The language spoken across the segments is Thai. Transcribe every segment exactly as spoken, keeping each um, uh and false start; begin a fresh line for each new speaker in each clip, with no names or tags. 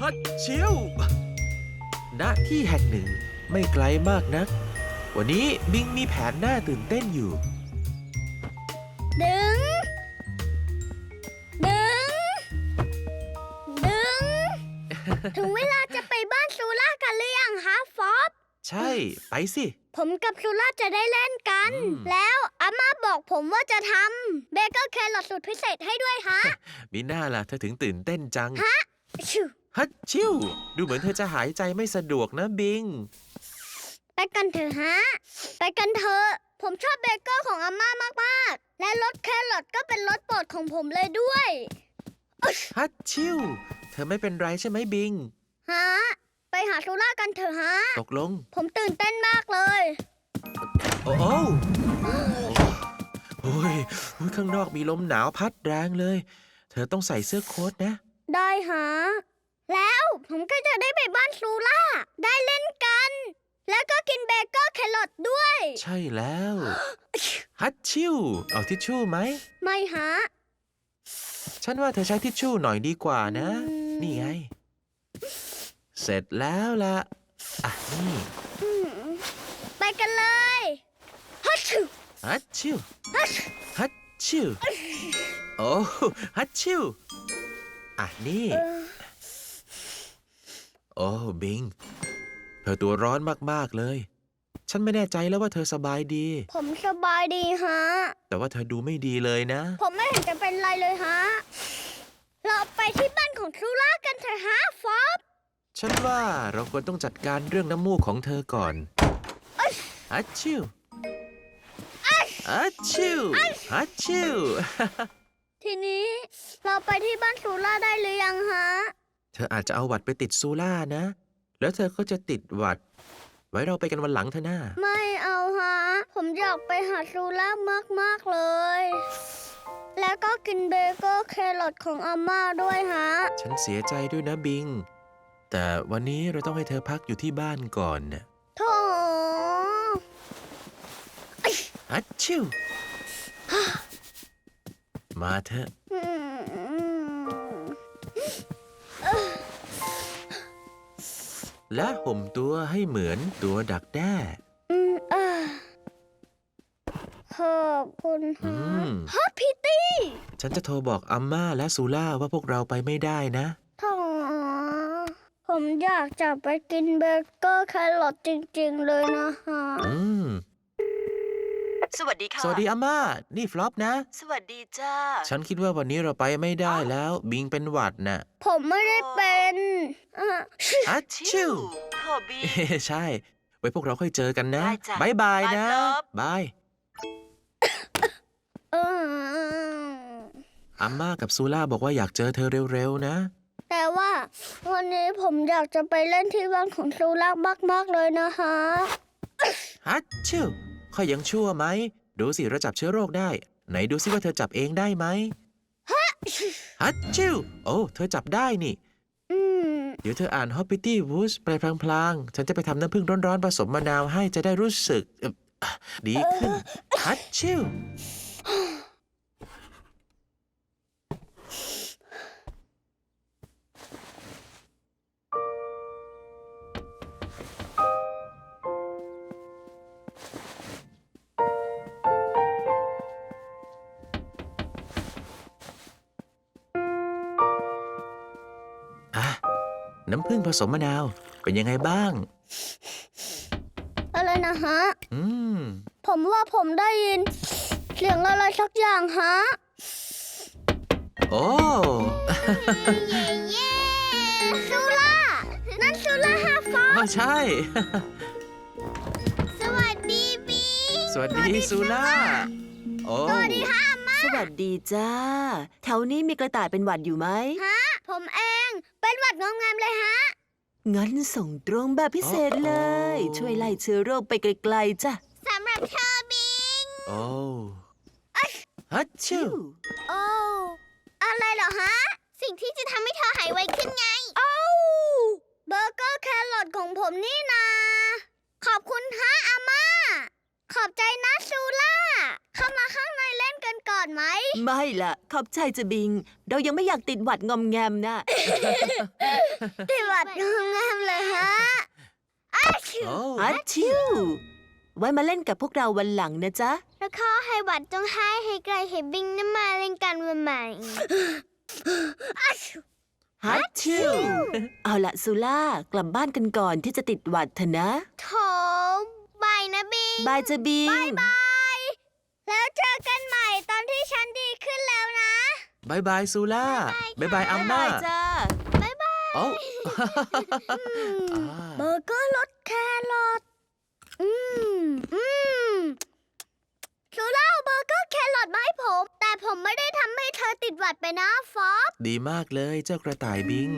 ฮัดชิวณที่แห่งหนึ่งไม่ไกลมากนักวันนี้บิงมีแผนน่าตื่นเต้นอยู่
ดึงดึงดึง ถึงเวลาจะไปบ้านซูล่ากันหรือยังฮะฟอบ
ใช่ไปสิ
ผมกับซูล่าจะได้เล่นกัน แล้วอาม่าบอกผมว่าจะทำเบเกอร์แครอทสูตรพิเศษให้ด้วยฮะ
มีหน้าล่ะเธอถึงตื่นเต้นจัง
ฮะชิว
ฮัดชิวดูเหมือนเธอจะหายใจไม่สะดวกนะบิง
ไปกันเถอะฮะไปกันเถอะผมชอบเบเกอร์ของอาม่ามากๆและรสแครอทก็เป็นรสโปรดของผมเลยด้วย
ฮัดชิวเธอไม่เป็นไรใช่ไหมบิง
ฮะไปหาซูล่ากันเถอะฮะ
ตกลง
ผมตื่นเต้นมากเลย
โอ้โอ้โอ้ยข้างนอกมีลมหนาวพัดแรงเลยเธอต้องใส่เสื้อโค้ทนะ
ได้ฮะแล้วผมก็จะได้ไปบ้านซูล่าได้เล่นกันแล้วก็กินเบเกอร์แครอทด้วย
ใช่แล้วฮัดชิวเอาทิชชู่ไหม
ไม่ฮะ
ฉันว่าเธอใช้ทิชชู่หน่อยดีกว่านะนี่ไงเสร็จแล้วล่ะอ่ะนี่
ไปกันเลยฮัชชิว
ฮัดชิวฮัดชิวโอ้ฮัดชิวอ่ะนี่โอ้บิงเธอตัวร้อนมากๆเลยฉันไม่แน่ใจแล้วว่าเธอสบายดี
ผมสบายดีฮะ
แต่ว่าเธอดูไม่ดีเลยนะ
ผมไม่เห็นจะเป็นไรเลยฮะเราไปที่บ้านของซูล่ากันเถอะฮะฟอบ
ฉันว่าเราควรต้องจัดการเรื่องน้ำมูกของเธอก่อนฮัดชิวฮัดชิวฮัดชิว
ทีนี้เราไปที่บ้านซูล่าได้หรือยังฮะ
เธออาจจะเอาหวัดไปติดซูล่านะแล้วเธอก็จะติดหวัดไว้เราไปกันวันหลังเถอะนะ
ไม่เอาฮะผมอยากไปหาซูล่ามากๆเลยแล้วก็กินเบเกอร์แครอทของอาม่าด้วยฮะ
ฉันเสียใจด้วยนะบิงแต่วันนี้เราต้องให้เธอพักอยู่ที่บ้านก่อนนะ
โธ่
ฮัดชิวมาเถอะและห่มตัวให้เหมือนตัวดักแด้
ขอบคุณฮะฮะพิตตี้
ฉันจะโทรบอกอัมม่าและซูล่าว่าพวกเราไปไม่ได้นะ
โธ่ผมอยากจะไปกินเบเกอร์แครอทจริงๆเลยนะฮะ
อืม
สวัสดีค่ะ
สวัสดีอาม่านี่ฟลอปนะ
สวัสดีจ้า
ฉันคิดว่าวันนี้เราไปไม่ได้แล้วบิงเป็นหวัดน่ะ
ผมไม่ได้เป็น
ฮัชชิว
โทบี้
ใช่ไว้พวกเราค่อยเจอกันนะบายบายนะบายอาม่ากับซูล่าบอกว่าอยากเจอเธอเร็วๆนะ
แต่ว่าวันนี้ผมอยากจะไปเล่นที่บ้านของซูล่ามากๆเลยนะคะ
ฮัชชิวค่อยยังชั่วไหมดูสิเราจับเชื้อโรคได้ไหนดูสิว่าเธอจับเองได้ไหมฮัชชิวโอ้เธอจับได้นี่เดี๋ยวเธออ่าน Hoppity Woods ไปพลางๆฉันจะไปทำน้ำผึ้งร้อนๆผสมมะนาวให้จะได้รู้สึกดีขึ้นฮัชชิวน้ำผึ้งผสมมะนาวเป็นยังไงบ้าง
อะไรนะฮะ
อืม
ผมว่าผมได้ยินเสียงอะไรสักอย่างฮะ
โอ้
เย้ซูล่านั่นซูล่าฮาฟอ
ใช่
สวัสดีบี
สวัสดีซูล่าโอ้
สวัสดีฮะอาม่า
สวัสดีจ้าแถวนี้มีกระต่ายเป็นหวัดอยู่ไหม
ฮะผมเองเป็นหวัดงงามเลยฮะ
งั้นส่งตรงแบบพิเศษเลยช่วยไล่เชื้อโรคไปไกลๆจ้ะ
สำหรับเธอบิง
โอ้ฮัชชิว
โอ้อะไรเหรอฮะสิ่งที่จะทำให้เธอหายไวขึ้นไงโอ้เบอร์เกอร์แครอทของผมนี่นาขอบคุณฮะอาม่าขอบใจนะซูล่าเข้ามาข้างในเล่นกันก่อนไหม
ไม่ล่ะ ขอบใจจะบิง เรายังไม่อยากติดหวัดงอมแงมนะ
ติดหวัดงงามเลยฮะอ้าว
โอ้
ฮัชชิว ไว้มาเล่นกับพวกเราวันหลังนะจ๊ะ
แล้วขอให้หวัดจงหายให้ไกลให้บิงน้ำมาเล่นกันวันใหม่อ้าว
ฮัชชิว เอาละซูล่ากลับบ้านกันก่อนที่จะติดหวัดเถอะนะ
โถบายนะบิง
บายจะบิง
บายบาย แล้วเจอกันใหม่ตอนที่ฉันดีขึ้นแล้วนะ
บายบายซูล่าบายบายอัมมา
บ๊ายบายจ้า
บ๊ายบาย
โอ้
เบอร์เกอร์รสแครอทอืม อืมซูล่าเอาเบอร์เกอร์แครอทมาให้ผม แต่ผมไม่ได้ทำให้เธอติดหวัดไปนะฟอบ
ดีมากเลยเจ้ากระต่ายบิง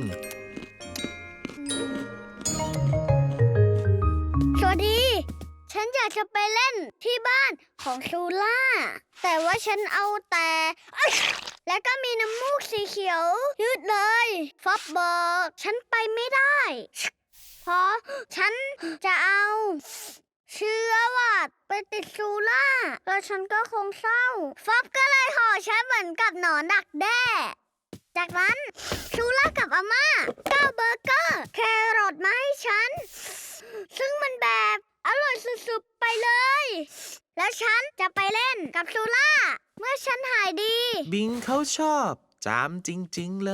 สวัสดี ฉันอยากจะไปเล่นที่บ้านของซูล่า แต่ว่าฉันเอาแต่เอ้ยแล้วก็มีน้ำมูกสีเขียว ยืดเลย ฟอบบอกฉันไปไม่ได้ เพราะฉันจะเอาเชื้อหวัดไปติดซูล่า แล้วฉันก็คงเศร้า ฟอบก็เลยห่อฉันเหมือนกับหนอนดักแด้ จากนั้นซูล่ากับอาม่าก็เอาเบอร์เกอร์แครอทมาให้ฉัน ซึ่งมันแบบอร่อยสุดๆไปเลย แล้วฉันจะไปเล่นกับซูล่า เมื่อฉันหายดี
บิงเขาชอบจามจริง ๆ เลย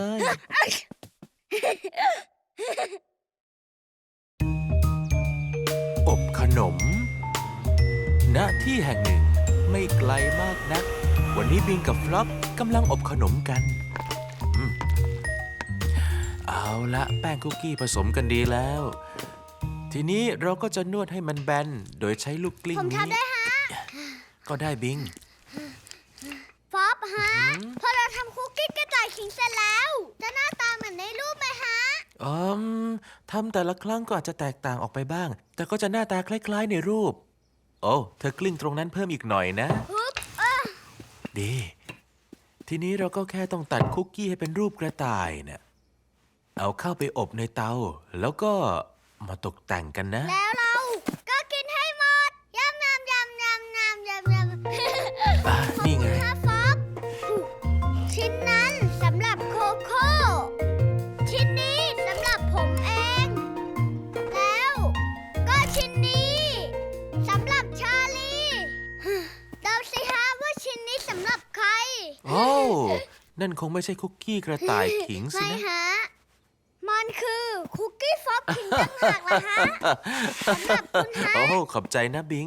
อบขนม ณ ที่แห่งหนึ่งไม่ไกลมากนัก วันนี้บิงกับฟลอปกำลังอบขนมกันอืมเอาละแป้งคุกกี้ผสมกันดีแล้ว ทีนี้เราก็จะนวดให้มันแบน โดยใช้ลูกกลิ้ง
ผม
นี้
ทำได้ฮะ
ก็ได้บิง
ฟอบฮะ
หืม
พอเราทำคุกกี้กระต่ายขิงเสร็จแล้ว จะหน้าตาเหมือนในรูปไหมฮะ
อืมทำแต่ละครั้งก็อาจจะแตกต่างออกไปบ้าง แต่ก็จะหน้าตาคล้ายๆในรูป โอ้เธอกลิ้งตรงนั้นเพิ่มอีกหน่อยนะ
ฮึบเออ
ดี ทีนี้เราก็แค่ต้องตัดคุกกี้ให้เป็นรูปกระต่ายเนะ่ะเอาเข้าไปอบในเตา แล้วก็มาตกแต่งกันนะ
แล้วเราก็กินให้หมดยำยำยำยำยำยำยำ
อ่ะนี่ไง
ฮะฟอบชิ้นนั้นสำหรับโคโค่ ชิ้นนี้สำหรับผมเอง แล้วก็ชิ้นนี้สำหรับชาลีเดาสิฮะว่าชิ้นนี้สำหรับใคร
โอ้นั่นคงไม่ใช่คุกกี้กระต่ายขิงสิ
ไม่
นะ
ฮะ มันคือคุกกี้ฟอบขิงต่างหากล่ะฮะ สำหรับคุณฮะ
โอ้ขอบใจนะบิง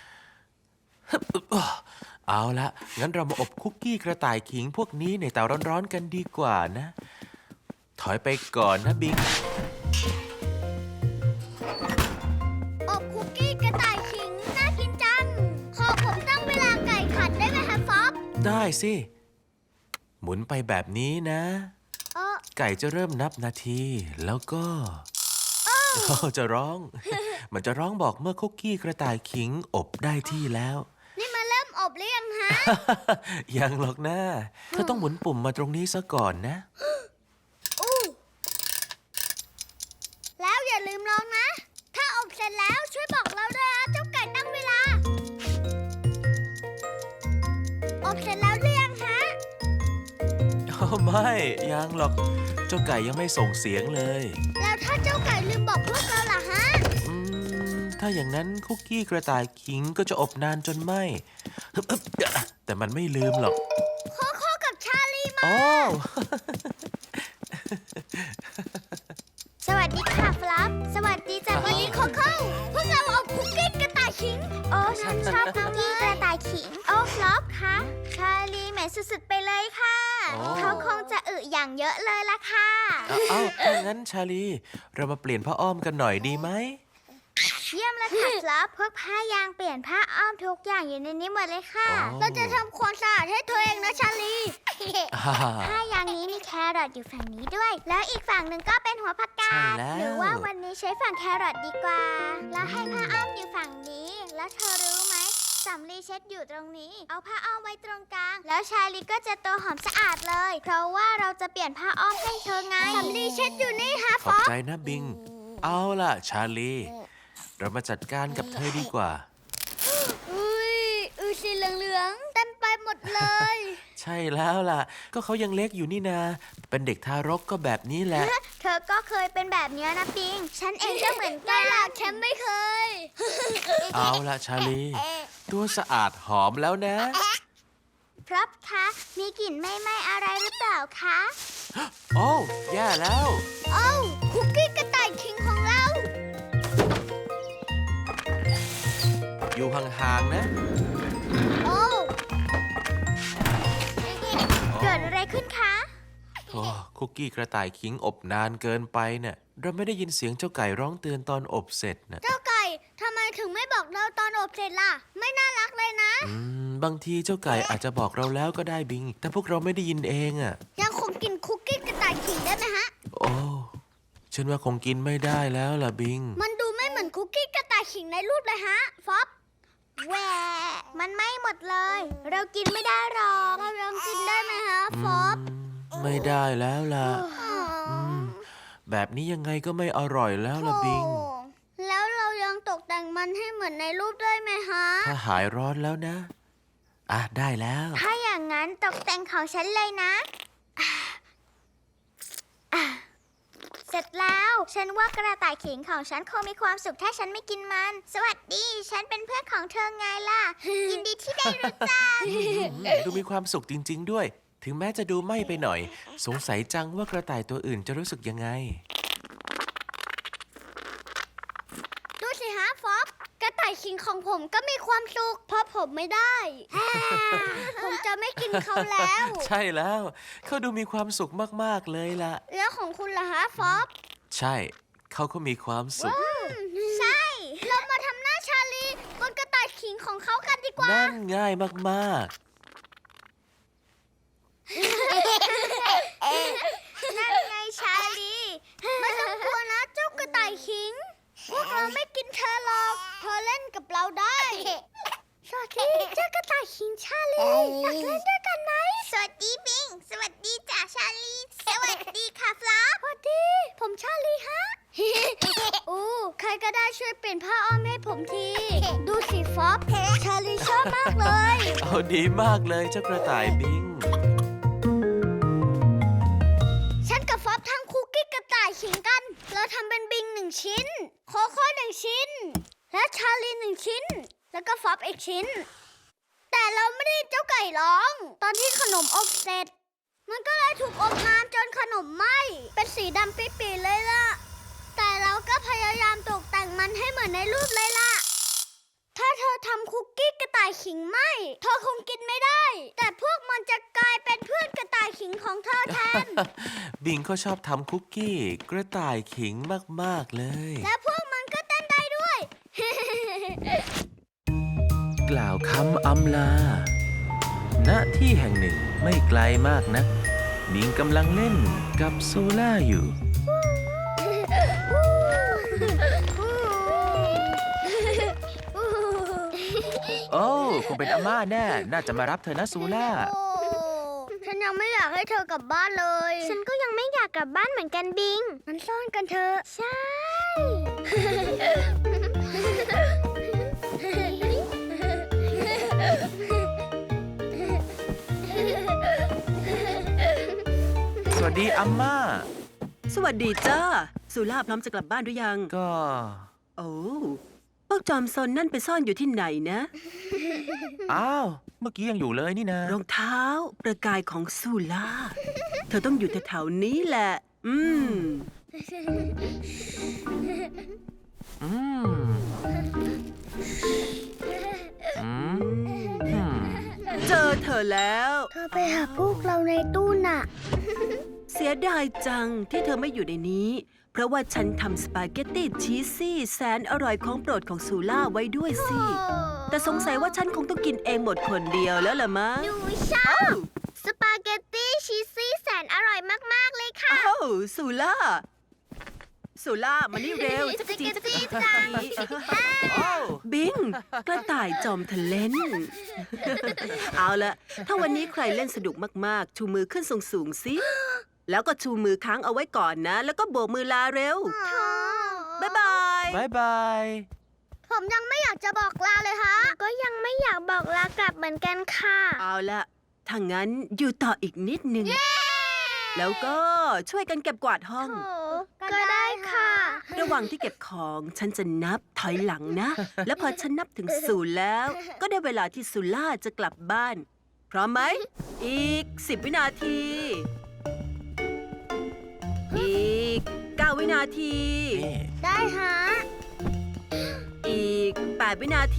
เอาละงั้นเรามาอบคุกกี้กระต่ายขิงพวกนี้ในเตาร้อนๆกันดีกว่านะ ถอยไปก่อนนะบิง
อบคุกกี้กระต่ายขิงน่ากินจัง ขอผมตั้งเวลาไก่ขัดได้ไหมคะฟอบ
ได้สิ หมุนไปแบบนี้นะ
เออ
ไก่จะเริ่มนับนาที แล้วก็โอ้จะร้อง มันจะร้องบอกเมื่อคุกกี้กระต่ายขิงอบได้ที่แล้ว
นี่มาเริ่มอบหรือยังฮะ
ยังหรอกนะเธอต้องหมุนปุ่มมาตรงนี้ซะก่อนนะ
อู้แล้วอย่าลืมลองนะ ถ้าอบเสร็จแล้วช่วยบอกเราด้วยนะเจ้าไก่ตั้งเวลา อบเสร็จแล้วหรือยังฮะ
โอ้ไม่ ยังหรอก เจ้าไก่ยังไม่ส่งเสียงเลย
แล้วถ้าเจ้าไก่ลืมบอกพวกเราล่ะฮะ
อืม ถ้าอย่างนั้นคุกกี้กระต่ายขิงก็จะอบนานจนไหมฮึบฮึบแต่มันไม่ลืมหรอก
โคโค่กับชาลีมา
โอ้
สวัสดีค่ะฟลัฟสวัสดีจ้ะวันนี้โคโค่พวกเราอบคุกกี้กระต่ายขิง โอ้ฉันชอบคุกกี้กระต่ายขิง โอ้ฟลัฟคะชาลีแหมสุดๆไปเลยค่ะ
โอ้
เขาคงจะอึอย่างเยอะเลยล่ะค่ะ
เอาเอาถ้างั้นชาลี เรามาเปลี่ยนผ้าอ้อมกันหน่อยดีไหม
เยี่ยมเลยค่ะฟลัฟพวกผ้ายางเปลี่ยนผ้าอ้อมทุกอย่างอยู่ในนี้หมดเลยค่ะ
อ๋อ
เราจะทำความสะอาดให้เธอเองนะชาลี
อ่า
ผ้ายางนี้มีแครอทอยู่ฝั่งนี้ด้วย แล้วอีกฝั่งหนึ่งก็เป็นหัวผักกา
ใช่
ด
แล้ว
หรือว่าวันนี้ใช้ฝั่งแครอทดีกว่า แล้วให้ผ้าอ้อมอยู่ฝั่งนี้ แล้วเธอรู้ไหมสำลีเช็ดอยู่ตรงนี้ เอาผ้าอ้อมไว้ตรงกลาง แล้วชาลีก็จะตัวหอมสะอาดเลย เพราะว่าเราจะเปลี่ยนผ้าอ้อมให้เธอไงสำลีเช็ดอยู่นี่ฮะ
ขอบใจนะบิง เอาล่ะชาลี เรามาจัดการกับเธอดีกว่า
อุ้ยอือสีเหลืองๆเต็มไปหมดเลย
ใใช่แล้วล่ะ ก็เขายังเล็กอยู่นี่นา เป็นเด็กทารกก็แบบนี้แหละ
เธอก็เคยเป็นแบบนี้นะปิง ฉันเองก็เหมือนกันล่ะฉันไม่เคย
เอาละชาลี ตัวสะอาดหอมแล้วนะ
ครับคะ มีกลิ่นไม่ไหม้อะไรหรือเปล่าคะ
โอ้แย่แล้ว
โอ้คุกกี้กระต่ายคิงของเรา
อยู่ห่างๆนะ
โอ้เกิดอะไรขึ้นคะ
โอ้คุกกี้กระต่ายขิงอบนานเกินไปเนี่ยเราไม่ได้ยินเสียงเจ้าไก่ร้องเตือนตอนอบเสร็จนะ
เจ้าไก่ทำไมถึงไม่บอกเราตอนอบเสร็จล่ะ ไม่น่ารักเลยนะ
อืม บางทีเจ้าไก่อาจจะบอกเราแล้วก็ได้บิง แต่พวกเราไม่ได้ยินเองอะ
ยังคงกินคุกกี้กระต่ายขิงได้ไหมฮะ
โอ้ฉันว่าคงกินไม่ได้แล้วล่ะบิง
มันดูไม่เหมือนคุกกี้กระต่ายขิงในรูปเลยฮะ ฟอบแหวมันไม่หมดเลย เรากินไม่ได้หรอกเรายังกินได้ไหมฮะ ฟอบ
ไม่ได้แล้วล่ะ อืม แบบนี้ยังไงก็ไม่อร่อยแล้วล่ะบิง
โอ้แล้วเรายังตกแต่งมันให้เหมือนในรูปได้ไหมฮะ
ถ้าหายร้อนแล้วนะ อ่ะ ได้แล้ว
ถ้าอย่างนั้นตกแต่งของฉันเลยนะอ่ะอ่ะเสร็จแล้ว ฉันว่ากระต่ายขิงของฉันคงมีความสุขถ้าฉันไม่กินมัน สวัสดี ฉันเป็นเพื่อนของเธอไงล่ะ ยินดีที่ได้รู้จัก
ดูมีความสุขจริง ๆ ด้วย ถึงแม้จะดูไหม้ไปหน่อย สงสัยจังว่ากระต่ายตัวอื่นจะรู้สึกยังไง
ดูสิฮะฟอบกระต่ายขิงของผมก็มีความสุขเพราะผมไม่ได้ ผมจะไม่กินเขาแล้ว
ใช่แล้ว เขาดูมีความสุขมาก ๆ เลยล่ะ
แล้วของคุณล่ะฮะฟอบ
ใช่ เขาก็มีความสุข
ใช่ เรามาทำหน้าชาลีบนกระต่ายขิงของเขากันดีกว่า
นั่นง่ายมาก
นั่นไงชาลี ไม่ต้องกลัวนะเจ้ากระต่ายขิง พวกเราไม่กินเธอหรอก เธอเล่นกับเราได้ สวัสดีเจ้ากระต่ายขิงชาลีอยากเล่นด้วยกันไหม สวัสดีบิง สวัสดีจ่าชาลี สวัสดีค่ะฟลอปสวัสดี ผมชาลีฮะ อู้ใครก็ได้ช่วยเปลี่ยนผ้าอ้อมให้ผมที ดูสิฟอบชาลีชอบมากเลย
ๆ เอาดีมากเลยเจ้ากระต่ายบิง
ฉันกับฟอบทำคุกกี้กระต่ายขิงกัน เราทำเป็นบิงหนึ่งชิ้น โคโค่หนึ่งชิ้น และชาลีหนึ่งชิ้น แล้วก็ฟอบอีกชิ้น แต่เราไม่ได้เจ้าไก่ร้อง ตอนที่ขนมอบเสร็จ มันก็เลยถูกอบนานจนขนมไหม้ เป็นสีดำปีๆเลยล่ะ แต่เราก็พยายามตกแต่งมันให้เหมือนในรูปเลยล่ะ ถ้าเธอทำคุกกี้กระต่ายขิงไหมเธอคงกินไม่ได้ แต่พวกมันจะกลายเป็นเพื่อนกระต่ายขิงของเธอแทน
บิงก็ชอบทำคุกกี้ กระต่ายขิงมาก ๆ เลย
และพวกมันก็เต้นได้ด้วย
กล่าวคำอำลา ณ ที่แห่งหนึ่งไม่ไกลมากนะบิงกำลังเล่นกับโซล่าอยู่ โอ้คงเป็นอาม่าแน่ น่าจะมารับเธอนะซูล่า
โอ้ฉันยังไม่อยากให้เธอกลับบ้านเลย ฉันก็ยังไม่อยากกลับบ้านเหมือนกันบิง มันซ่อนกันเถอะ ใช่
สวัสดีอาม่า
สวัสดีจ้าสุล่าพร้อมจะกลับบ้านหรือยัง
ก็
โอ้พวกจอมซนนั่นไปซ่อนอยู่ที่ไหนนะ
อ้าว เมื่อกี้ยังอยู่เลยนี่นะ
รองเท้าประกายของสุล่า เธอต้องอยู่แถวๆนี้แหละ อืม
อืม อืมอืม
เจอเธอแล้ว
เธอไปหาพวกเราในตู้น่ะ
เสียดายจังที่เธอไม่อยู่ในนี้ เพราะว่าฉันทำสปาเกตตี้ชีสซี่แสนอร่อยของโปรดของซูล่าไว้ด้วยสิ แต่สงสัยว่าฉันคงต้องกินเองหมดคนเดียวแล้วล่ะมั้ง
หนูชอบสปาเกตตี้ชีสซี่แสนอร่อยมาก ๆ เลยค่ะ
อ้าวซูล่าซูล่ามานี่เร็วจักจีจักจี
จักจี
โอ้
บิงกระต่ายจอมทะเลน เอาละถ้าวันนี้ใครเล่นสนุกมากๆ ชูมือขึ้นสูงๆสิ แล้วก็ชูมือค้างเอาไว้ก่อนนะ แล้วก็โบกมือลาเร็ว บ๊ายบาย
บายบาย
ผมยังไม่อยากจะบอกลาเลยฮะ ก็ยังไม่อยากบอกลากลับเหมือนกันค่ะ
เอาละถ้างั้นอยู่ต่ออีกนิดนึง แล้วก็ช่วยกันเก็บกวาดห้อง
ก็ได้ค่ะ
ระหว่างที่เก็บของฉันจะนับถอยหลังนะ แล้วพอฉันนับถึงศูนย์แล้ว ก็ได้เวลาที่ซูล่าจะกลับบ้าน พร้อมไหม อีกสิบวินาที อีกเก้าวินาที
นี่
ได้ฮะ
อีกแปดวินาที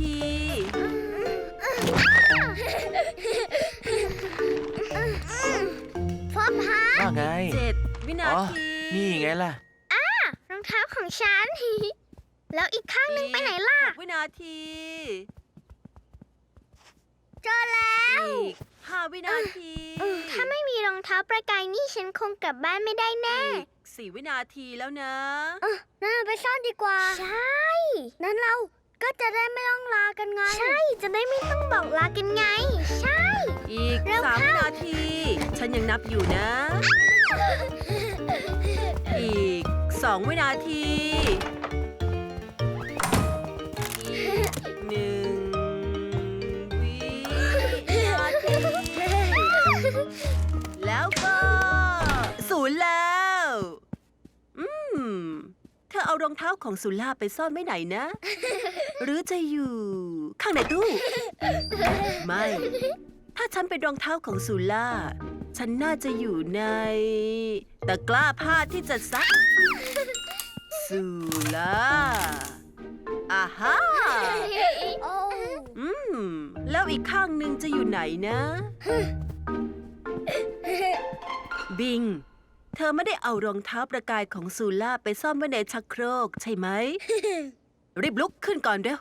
ฟอบฮะ
ว่าไง
เจ็ดวินา
อ๋อ
ที
นี่ไงล่ะ
รองเท้าของฉัน แล้วอีกข้างหนึงไปไหนล่ะ
หกวินาที
เจอแล้ว
อีกห้าวินาที
ถ้าไม่มีรองเท้าประกายนี่ฉันคงกลับบ้านไม่ได้แน่
อีกสี่วินาทีแล้วนะ
เออนั่นเราไปซ่อนดีกว่า ใช่ นั้นเราก็จะได้ไม่ต้องลากันไง ใช่ จะได้ไม่ต้องบอกลากันไง ใช่
อีก
เร็ว
สาม
เข้า
วินาที ฉันยังนับอยู่นะ อีกสองวินาที อีกหนึ่งวินาที แล้วก็ศูนย์แล้ว อืม เธอเอารองเท้าของสุล่าไปซ่อนไว้ไหนนะ หรือจะอยู่ ข้างในตู้ ไม่ ถ้าฉันเป็นรองเท้าของสุล่า ฉันน่าจะอยู่ในตะกร้าผ้าที่จะซัก สุล่าอาฮ่า
โอ้
อืม แล้วอีกข้างหนึ่งจะอยู่ไหนนะ บิง เธอไม่ได้เอารองเท้าประกายของซูล่าไปซ่อนไว้ในชักโครกใช่ไหม รีบลุกขึ้นก่อนเร็ว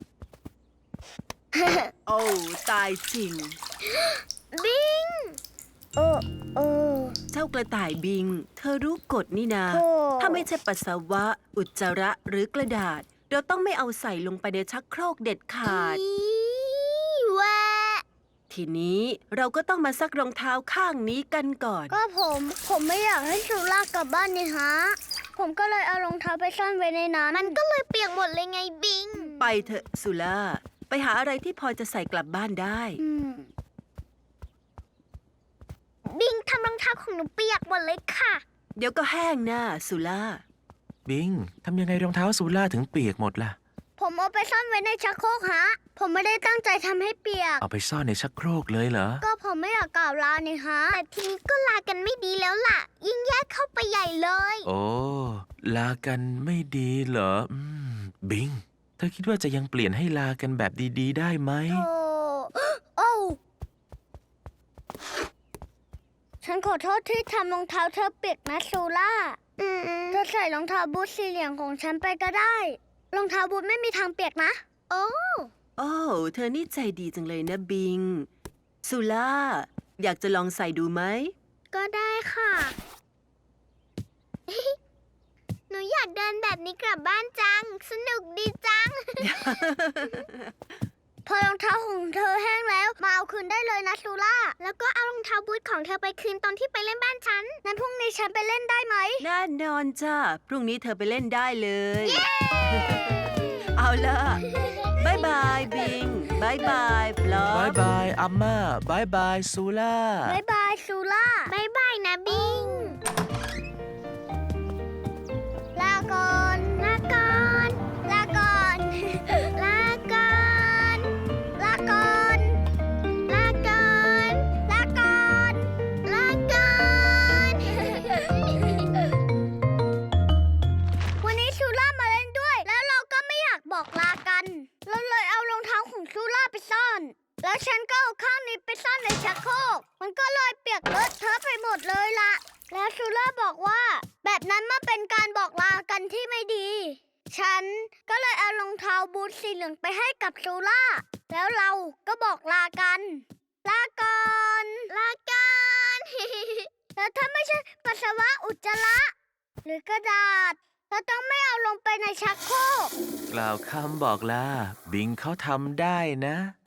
โอ้ตายจริง
บิง โอ้โอ้
เจ้ากระต่ายบิง เธอรู้กฎนี่นา
โธ่
ถ้าไม่ใช่ปัสสาวะ อุจจาระหรือกระดาษ เราต้องไม่เอาใส่ลงไปในชักโครกเด็ดขาด
อีแวะ
ทีนี้เราก็ต้องมาซักรองเท้าข้างนี้กันก่อน
ก็ผม ผมไม่อยากให้ชูล่ากลับบ้านนี่ฮะ ผมก็เลยเอารองเท้าไปซ่อนไว้ในนั้น มันก็เลยเปียกหมดเลยไงบิง
ไปเถอะสุล่า ไปหาอะไรที่พอจะใส่กลับบ้านได้
อืม บิงทำรองเท้าของหนูเปียกหมดเลยค่ะ
เดี๋ยวก็แห้งหน้าสุล่า
บิง ทำยังไงรองเท้าซูล่าถึงเปียกหมดล่ะ
ผมเอาไปซ่อนไว้ในชักโครกฮะ ผมไม่ได้ตั้งใจทำให้เปียก
เอาไปซ่อนในชักโครกเลยเหรอ
ก็ผมไม่อยากกล่าวลานี่ฮะ แต่ทีนี้ก็ลากันไม่ดีแล้วล่ะ ยิ่งแยกเข้าไปใหญ่เลย
โอ้ ลากันไม่ดีเหรอ อืม บิง เธอคิดว่าจะยังเปลี่ยนให้ลากันแบบดีๆ ได้ไหม
โอ้ โอ้ฉันขอโทษที่ทำรองเท้าเธอเปียกนะซูล่าเธอใส่รองเท้าบูทสีเหลืองของฉันไปก็ได้ รองเท้าบูทไม่มีทางเปียกนะ โอ้
โอ้ เธอนี่ใจดีจังเลยนะบิง สุล่า อยากจะลองใส่ดูไหม
ก็ได้ค่ะ หนูอยากเดินแบบนี้กลับบ้านจัง สนุกดีจัง พอรองเท้าของเธอแห้งแล้วมาเอาคืนได้เลยนะซูล่า แล้วก็เอารองเท้าบูทของเธอไปคืนตอนที่ไปเล่นบ้านฉัน นั้นพรุ่งนี้ฉันไปเล่นได้ไหม
แน่นอนจ้า พรุ่งนี้เธอไปเล่นได้เลย เอาล่ะบายบายบิงบายบายฟลอบ
ายบายอัมมาบายบายซูล่า
บายบายซูล่าบายบายนะบิง ลาก่อน ลาก่อน ลาก่อน ลาก่อน ลาก่อน ลาก่อน ลาก่อน ลาก่อน วันนี้ซูล่ามาเล่นด้วย แล้วเราก็ไม่อยากบอกลากัน เราเลยเอารองเท้าของซูล่าไปซ่อน แล้วฉันก็เอาข้างนี้ไปซ่อนในชักโครก มันก็เลยเปียกเลอะเทอะไปหมดเลยล่ะ แล้วซูล่าบอกว่า แบบนั้นมันเป็นการบอกลากันที่ไม่ดี ฉันก็เลยเอารองเท้าบูทสีเหลืองไปให้กับซูล่า แล้วเราก็บอกลากัน ลาก่อน ลาก่อน แล้วถ้าไม่ใช่ปัสสาวะอุจจาระ หรือกระดาษเราต้องไม่เอาลงไปในชักโครก
กล่าวคำบอกลา บิงเขาทำได้นะ